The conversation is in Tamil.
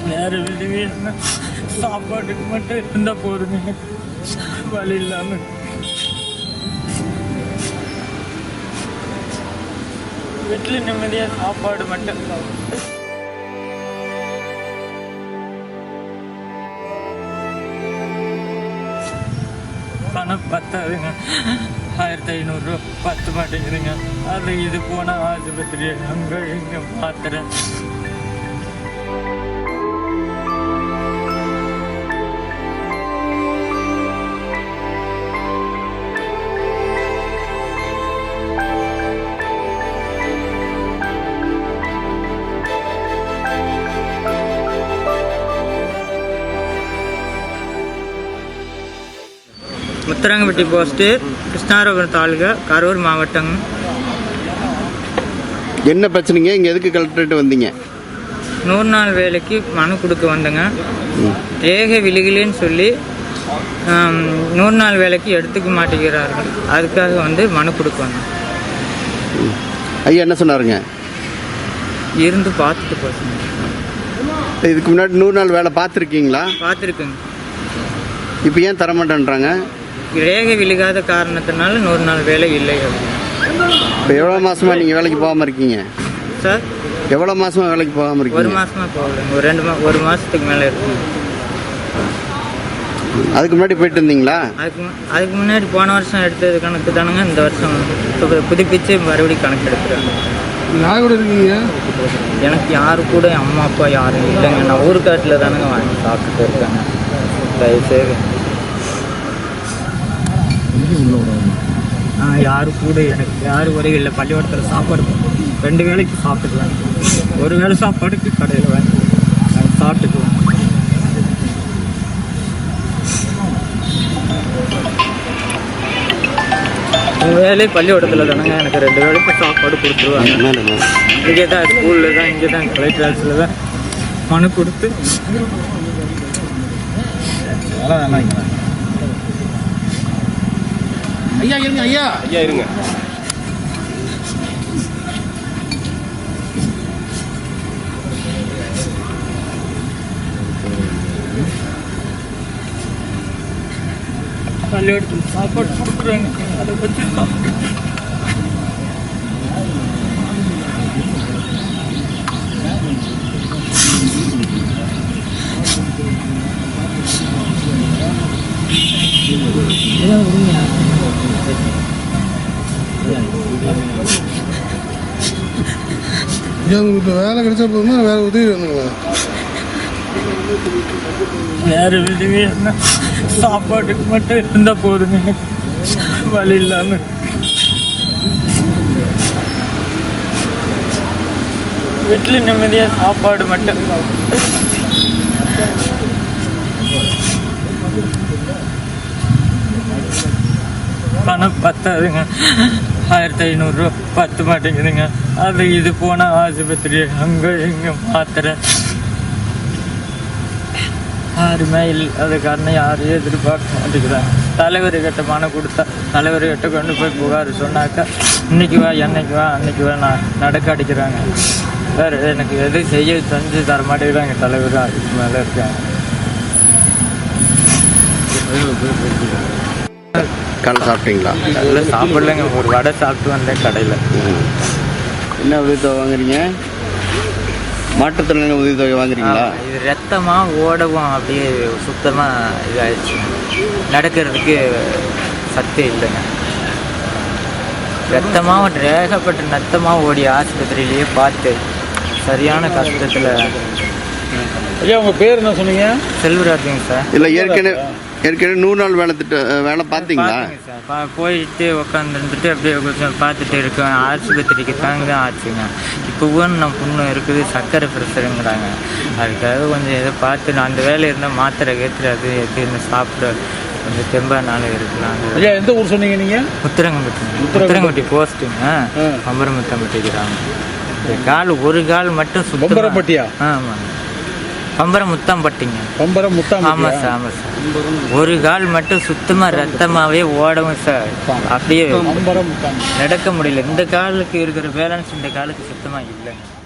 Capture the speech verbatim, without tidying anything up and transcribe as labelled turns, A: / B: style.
A: வேறு விடுவே சாப்பாட்டுக்கு மட்டும் இருந்தால் போதுங்க, வழி இல்லாமல். வீட்டில் நிம்மதியாக சாப்பாடு மட்டும் பணம் பத்தாதுங்க. ஆயிரத்தி ஐநூறுரூவா பத்து மாட்டேங்குதுங்க. அது இது போனால் ஆஸ்பத்திரி அங்கே இங்கே மாத்திரை. முத்தரங்கப்பட்டி போஸ்ட்டு, கிருஷ்ணாரபுரம் தாலுகா, கரூர் மாவட்டம்.
B: என்ன பிரச்சனைங்க? இங்கே எதுக்கு கலெக்டரேட் வந்தீங்க?
A: நூறு நாள் வேலைக்கு மனு கொடுக்க வந்தேங்க. ரேகை விழுகலைன்னு சொல்லி நூறு நாள் வேலைக்கு எடுத்துக்க மாட்டேங்கிறார்கள். அதுக்காக வந்து மனு கொடுக்க வந்தேன்.
B: ஐயா என்ன சொன்னாருங்க?
A: இருந்து பார்த்துட்டு போச்சுங்க.
B: இதுக்கு முன்னாடி நூறு நாள் வேலை பார்த்துருக்கீங்களா?
A: பார்த்துருக்குங்க.
B: இப்போ ஏன் தரமாட்டேன்றாங்க?
A: ரேகை விழுகாத காரணத்தினால நூறு நாள் வேலை இல்லை.
B: இப்போ எவ்வளோ மாசமா நீங்கள் வேலைக்கு போகாமல் இருக்கீங்க
A: சார்?
B: எவ்வளோ மாசமா வேலைக்கு போகாமல் இருக்கீங்க?
A: ஒரு மாசமா போகலைங்க. ஒரு ரெண்டு மா ஒரு மாதத்துக்கு மேலே இருக்குங்க.
B: அதுக்கு முன்னாடி போயிட்டு இருந்தீங்களா?
A: அதுக்கு அதுக்கு முன்னாடி போன வருஷம் எடுத்தது கணக்கு தானுங்க. இந்த வருஷம் புதுப்பிச்சு மறுபடியும் கணக்கு எடுத்துறாங்க.
B: யார் கூட இருக்கீங்க?
A: எனக்கு யாரு கூட அம்மா அப்பா யாரும் இல்லைங்க. நான் ஊருக்காட்டில் தானுங்க வாங்கி சாப்பிட்டுட்டு இருக்காங்க. தயவுசெய்து ஆ யாரு கூட எனக்கு யாரு வரையும் இல்லை. பள்ளிக்கூடத்தில் சாப்பாடு ரெண்டு வேளைக்கு சாப்பிட்டுக்குவேன். ஒரு வேளை சாப்பாடுக்கு கடையில் வாங்கி சாப்பிட்டுக்குவேன். வேலை பள்ளிக்கூடத்தில் தானேங்க எனக்கு ரெண்டு வேளைக்கு சாப்பாடு கொடுத்துருவாங்க. இங்கே தான் ஸ்கூலில் தான், இங்கே தான் கலெக்டர் ஆஃபீஸில் தான் மனு கொடுத்து
B: ஐயா இருங்க. ஐயா ஐயா இருங்க.
A: பள்ளிக்கூடத்தில் சாப்பாடு கொடுக்குறாங்க. அதை பற்றி
C: இப்போ வேலை கிடைச்சா போதுமா? வேற உதவி வேணுங்களா?
A: வேறு விடுவே சாப்பாட்டுக்கு மட்டும் இருந்தால் போதுங்க, வழி இல்லாமல். வீட்டில் நிம்மதியாக சாப்பாடு மட்டும். பணம் பத்தாதுங்க. ஆயிரத்தி ஐநூறுரூவா பத்து மாட்டேங்குதுங்க. அது இது போனால் ஆஸ்பத்திரி அங்கே இங்கே மாத்திரை. யாருமே இல்லை. அது காரணம் யாரையும் எதிர்பார்க்க மாட்டேங்கிறாங்க. தலைவர்கிட்ட மனு கொடுத்தா தலைவர்கிட்ட கொண்டு போய் புகார் சொன்னாக்கா இன்னைக்கு வா என்னைக்கு வா அன்னைக்கு வா நான் நடக்க அடிக்கிறாங்க. வேறு எனக்கு எது செய்ய செஞ்சு தர மாட்டேங்கிறாங்க. தலைவர் அதுக்கு மேலே இருக்காங்க.
B: காலை சாப்பிட்டீங்களா?
A: கடையில் சாப்பிடலைங்க. ஒரு வடை சாப்பிட்டு வந்தேன் கடையில்.
B: என்ன உதவித்தொகை வாங்குறீங்க? மாற்றுத்திறனாளி உதவித்தொகை வாங்குறீங்களா?
A: இது ரத்தமாக ஓடவும் அப்படியே சுத்தமாக இதாகிடுச்சு. நடக்கிறதுக்கு சத்தே இல்லைங்க. ரத்தமாக ரேகப்பட்டு ரத்தமாக ஓடி ஆஸ்பத்திரியிலேயே பார்த்து சரியான கஷ்டத்தில்.
C: ஐயா உங்கள் பேர் என்ன சொன்னீங்க?
A: செல்வராஜுங்க சார்.
B: இல்லை ஏற்கனவே ஏற்கனவே நூறு நாள் வேலை திட்ட வேலை பார்த்தீங்களா?
A: சார் போயிட்டு உட்காந்துருந்துட்டு அப்படியே கொஞ்சம் பார்த்துட்டு இருக்கேன். ஆஸ்பத்திரிக்கு தாங்க தான் ஆச்சுங்க. இப்போவும் நம்ம புண்ணு இருக்குது, சர்க்கரை ப்ரெஷருங்கிறாங்க. அதுக்காக கொஞ்சம் எதை பார்த்து நான் அந்த வேலை இருந்தால் மாத்திரை கேட்டு அது எதுன்னு சாப்பிட கொஞ்சம் தெம்பா நாள் இருக்கலாம்.
C: ஐயா எந்த ஊர் சொன்னீங்க நீங்கள்?
A: முத்தரங்கம்பட்டி. முத்தரங்கம்பட்டி போஸ்ட்டுங்க. பம்பரமுத்தம்பட்டி கிராமம். கால் ஒரு கால் மட்டும்
C: பம்பரம்பட்டியா?
A: ஆமாங்க. பம்பரம் முத்தாம்பட்டிங்க.
C: பம்பரம் முத்தாம்.
A: ஆமாம் சார், ஆமாம் சார். ஒரு கால் மட்டும் சுத்தமாக ரத்தமாகவே ஓடவும் சார். அப்படியே நடக்க முடியல. இந்த காலுக்கு இருக்கிற பேலன்ஸ் இந்த காலுக்கு சுத்தமாக இல்லைங்க.